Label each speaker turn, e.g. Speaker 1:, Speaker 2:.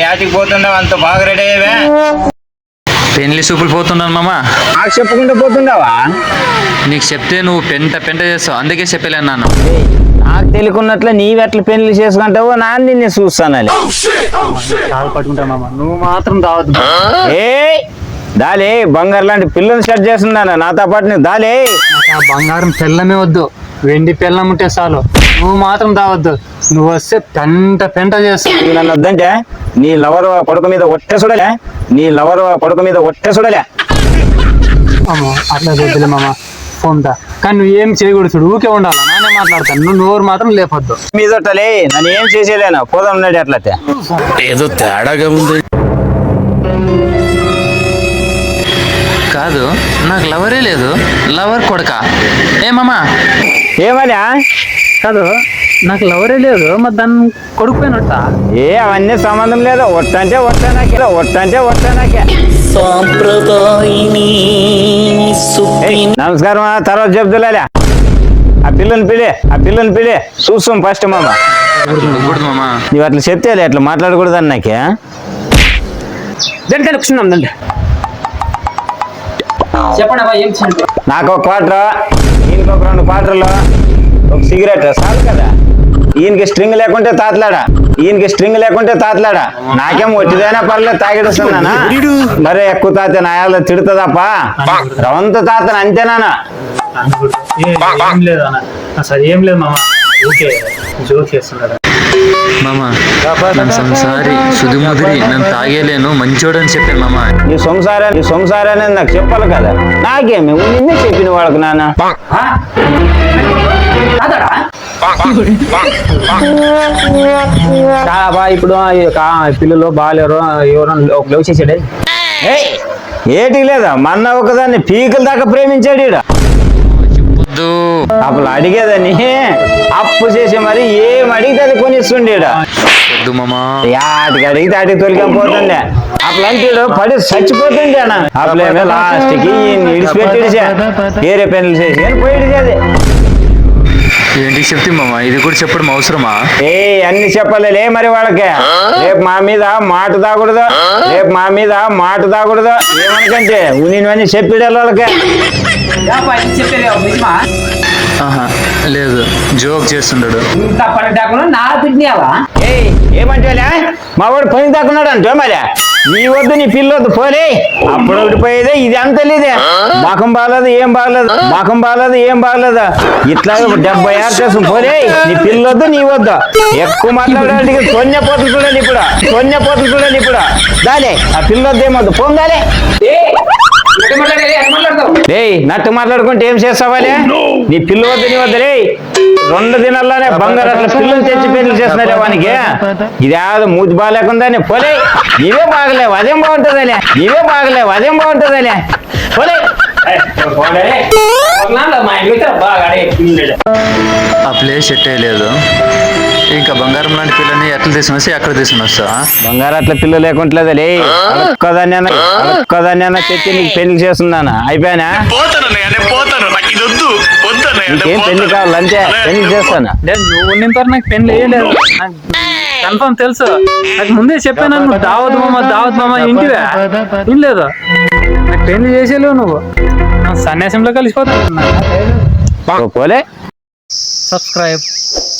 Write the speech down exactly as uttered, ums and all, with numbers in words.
Speaker 1: యాటికి పోతుండవు అంత బాగా రెడీ అయ్యేవే?
Speaker 2: పెళ్లి సూపులు పోతున్నాను మామ.
Speaker 1: నాకు చెప్పుకుంటూ పోతుండవా?
Speaker 2: నీకు చెప్తే నువ్వు పెంట పెంట చేస్తావు, అందుకే చెప్పలేను నాన్న.
Speaker 1: నాకు తెలియకున్నట్లే నీవెట్ల పెళ్లి చేసుకుంటావో నాన్న నిన్ను చూస్తానలే.
Speaker 3: పట్టుకుంటా మామ, నువ్వు మాత్రం రావద్దు.
Speaker 1: ఏ దాలే బంగారు లాంటి పిల్లని సెట్ చేస్తున్నాను నాతో పాటు. నువ్వు దాలే
Speaker 3: ఆ బంగారం పెళ్ళమే వద్దు, వెండి పెళ్ళం ఉంటే చాలు. నువ్వు మాత్రం రావద్దు. నువ్వు వస్తే పెంట పెంట చేస్తావు.
Speaker 1: నన్ను వద్దంటే నీ లవర్ కొడుకు మీద ఒట్టే చూడలే, నీ లవర్ కొడుకు మీద ఒట్టే చూడలే.
Speaker 3: అమ్మో అట్లా వద్దులే మామ, ఫోన్దా. కానీ నువ్వు ఏం చేయకూడదు చూడు, ఊకే ఉండాలి. నానే మాట్లాడతాను, నువ్వు నోరు మాత్రం లేపొద్దు.
Speaker 1: మీదొట్టలే నన్ను ఏం చేసేలేను, పోదాం ఉన్నాడు అట్లయితే.
Speaker 4: ఏదో తేడాగా ఉంది.
Speaker 2: కాదు నాకు లవరే లేదు, లవర్ కొడక ఏమమ్మా?
Speaker 1: ఏమన్నా
Speaker 3: కాదు నాకు లవరే లేదు, మరి దాన్ని కొడుకుపోయినట్ట.
Speaker 1: ఏ అవన్నీ సంబంధం లేదు. ఒట్టంటే ఒట్ట నాకే, ఒట్టంటే ఒట్ట నాకే. నమస్కారం, తర్వాత చెప్తులే. ఆ పిల్లని పిలి, ఆ పిల్లని పిలి చూస్తాం ఫస్ట్ మామ.
Speaker 2: మామ
Speaker 1: నువ్వు అట్లా చెప్తేలే, అట్లా మాట్లాడకూడదని నాకే.
Speaker 3: దానికైనా కూర్చున్నాం దండి. చెప్పండి అబ్బా, ఏం చేయండి.
Speaker 1: నాకు ఒక క్వార్టర్, ఈయనకి ఒక రెండు క్వార్టర్లు, ఒక సిగరెట్ చాలు కదా. ఈయనకి స్ట్రింగ్ లేకుంటే తాతలాడా, ఈయనకి స్ట్రింగ్ లేకుంటే తాతలాడా. నాకేం ఒట్టిదైనా పర్లేదు తాగిడుస్తున్నానా? మరే ఎక్కువ తాత నాయాల తిడుతుందప్ప. రవంత తాతను అంతేనా?
Speaker 3: ఏం లేదు అన్న, అసలు ఏం లేదు మామ, ఓకే జోక్ చేస్తున్నారా
Speaker 2: మామ? నన్ను సంసారి సుధుముదిరి నన్ను తాగేలేను, మంచోడు అని చెప్పాను మామ.
Speaker 1: నీ సంసారా నీ సంసారా అనేది నాకు చెప్పాలి కదా. నాకేమి నిన్నే చెప్పిన వాళ్ళకు నాన్న.
Speaker 3: బా ఇప్పుడు పిల్లలు బాగాలేరు, ఎవరో లవ్ చేసాడే.
Speaker 1: ఏటి లేదా మొన్న ఒకదాన్ని పీకల దాకా ప్రేమించాడు ఈడ. అప్పుడు అడిగేదని అప్పు చేసి మరి ఏం అడిగితే అది కొనిస్తుండే. ఆటికి అడిగితే ఆటికి తొలికం పోతుండే. అట్లంటాడు పడి చచ్చిపోతుండే అన్న. అప్పుడేమో లాస్ట్ కి ఇడిచిపెట్టిడిచా, వేరే పెన్నులు చేసి అని పోయిడిచేది.
Speaker 2: ఏంటి చెప్తే మామ, ఇది కూడా చెప్పడం అవసరమా?
Speaker 1: ఏ అన్ని చెప్పలే మరి వాళ్ళకి. రేపు మా మీద మాట తాగకూడదు, రేపు మా మీద మాట తాగకూడదు. ఏమనకంటే ఉనివన్నీ చెప్పిడే వాళ్ళకి.
Speaker 2: ఆహా లేదు, జోక్ చేస్తున్నాడు.
Speaker 1: ఏమంటే మా వాడు పని దాక్కున్నాడు అంటే మరి నీ వద్దు నీ పిల్లొద్దు పోలే. అప్పుడు ఒకటి పోయేదే, ఇది అంత లేదే. మాకం బాగలేదు ఏం బాగలేదు, మాకం బాగలేదు ఏం బాగలేదు. ఇట్లా డెబ్బై ఆరు చేసు పోలే. నీ పిల్లొద్దు నీ వద్దు. ఎక్కువ మాట్లాడడానికి సొన్నె పోతులు చూడాలి ఇప్పుడు, సొన్నె పోతులు చూడాలి ఇప్పుడు. దాలే ఆ పిల్లొద్దు ఏమొద్దు పోందాలే. ఏయ్ నట్టు మాట్లాడుకుంటే ఏం చేస్తావాలే? నీ పిల్ల వద్దు నీ వద్దలే. రెండు దినాల్లోనే బంగారు అట్లా పిల్లలు తెచ్చి పెళ్లి చేస్తున్నారే వానికి. ఇది ఏదో మూతి బాగాలేకుందని పోలే. నీవే బాగలేవు అదేం బాగుంటుందలే, నీవే బాగలేవు అదేం బాగుంటుందలే పోలే.
Speaker 2: ఆ ప్లేస్ సెట్ అయ్యలేదు. ఇంకా బంగారం లాంటి పిల్లని ఎట్లా తీసుకుని వస్తే ఎక్కడ తీసుకుని వస్తా?
Speaker 1: బంగారు అట్లా పిల్లలు లేకుంటలేదులే. ఒక్కదాన్ని ఒక్కదాన్ని తెచ్చి నీకు పెళ్లి చేస్తున్నాను. అయిపోయానా? నీకేం పెళ్లి కావాలి అంతే, పెళ్లి చేస్తాను.
Speaker 3: నువ్వు ఉన్నంత నాకు పెళ్లి వేయలేదు, కన్ఫర్మ్ తెలుసు. నాకు ముందే చెప్పాను, నువ్వు దావత్ మామ దావత్ మామ ఇంటివే ఏం లేదు. నాకు పెళ్లి చేసేలేవు నువ్వు. సన్యాసంలో కలిసిపోతాను.
Speaker 1: పోలే.
Speaker 3: సబ్స్క్రైబ్.